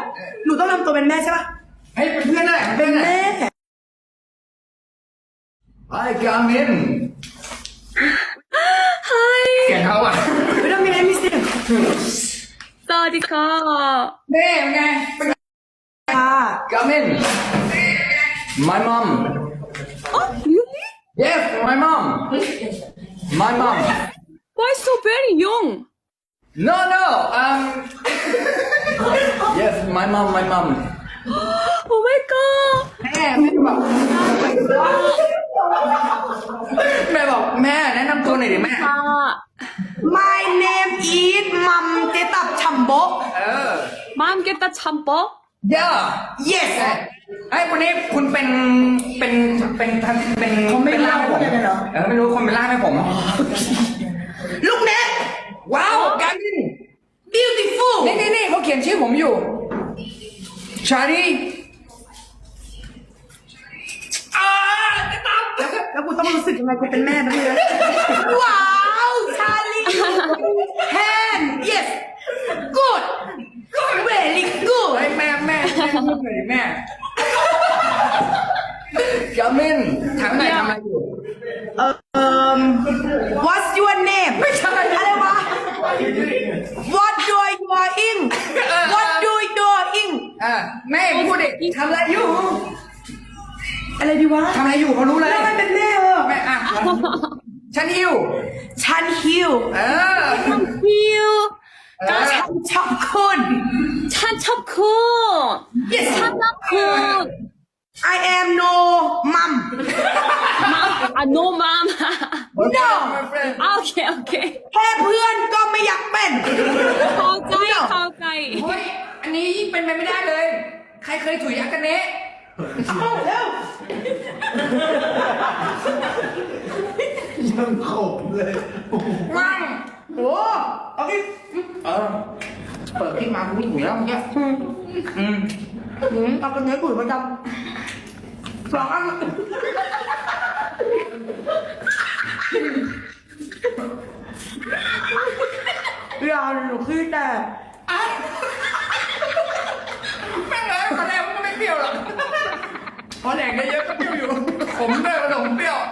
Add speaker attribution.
Speaker 1: หนูต้องทำตัวเป็นแม่ใช่ปะ
Speaker 2: เฮ้ยเป็นเพื่อนนั่นแหละ
Speaker 1: เป็นแม่
Speaker 2: ไอ้กามิน
Speaker 3: Hi
Speaker 2: เสียงเขาอ่ะ
Speaker 1: ไม่ต้องมีอะไรมีเสียง
Speaker 3: สวัสดีค่ะ
Speaker 2: เน่เป็นไงเป็นไง
Speaker 1: ค่ะ
Speaker 2: กามิน my mom
Speaker 3: Oh really
Speaker 2: yes my mom
Speaker 3: Why so very young
Speaker 2: no yes my mom
Speaker 3: Oh my god
Speaker 2: แม่บอกแม่แนะนำตัวหน่อยดิแม่
Speaker 3: ค่ะ
Speaker 1: My name is มัมเจตับชัมโบ
Speaker 3: 마음 깼다 참버
Speaker 2: yeah
Speaker 1: yes
Speaker 2: ไอ้วันนี้คุณเป็น
Speaker 1: เขาไม่เล่า
Speaker 2: ผม
Speaker 1: เลยเหรอ
Speaker 2: ไม่รู้คนเป็นล่ามให้ผม
Speaker 1: ลูกเน็ต
Speaker 2: ว้าวการมิน
Speaker 1: beautiful
Speaker 2: นี่เขาเขียนชื่อผมอยู่ชาลี
Speaker 1: แล้วกูต้องรู้สึกยังไงกูเป็นแม่นะเนี่ยว้าวชาลีแฮน yes good very good
Speaker 2: เฮ้ยแม่พูดหน่อยดิแม่กามินถามหน่อยทำอะไรอยู่
Speaker 1: what's your name
Speaker 2: ไม่ใช่
Speaker 1: อะไรวะ what do you doing what do you doing
Speaker 2: แม่พูดดิทำอะไรอยู่
Speaker 1: อะไรดีวะ
Speaker 2: ทำอะไรอยู่เขารู้เลย
Speaker 1: แล้วมันเป็นแม่
Speaker 2: แม่ฉันหิว
Speaker 1: ฉันหิว
Speaker 3: you
Speaker 1: ฉันชอบคุณ
Speaker 3: 찬첩군
Speaker 1: yes
Speaker 3: 찬nap군
Speaker 1: I am no mom
Speaker 3: no mom
Speaker 1: no
Speaker 3: 오케이 오케이
Speaker 1: แค่เพื่อนก็ไม่อยากเป็น
Speaker 3: เข้าใจ
Speaker 2: เฮ้ยอันนี้ยิ่งเป็นไปไม่ได้เลย ใครเคยถุยอากาเนะ
Speaker 1: เอาเร็ว
Speaker 4: ยังขมเลย
Speaker 2: ว่าง
Speaker 1: โอ้เอาดิ
Speaker 2: เปิดคลิปมาคุณถุยแล้วเมื่อกี้
Speaker 1: เอากระเนื้อปุ๋ยมาจำสองอันอย่าหนูขี้แต่
Speaker 2: แม่งเลยตอนแรกมันก็ไม่เปรี้ยวหรอกพอแดกเยอะๆก็เปรี้ยวอยู่ ผมด้วยผสมเปรี้ยว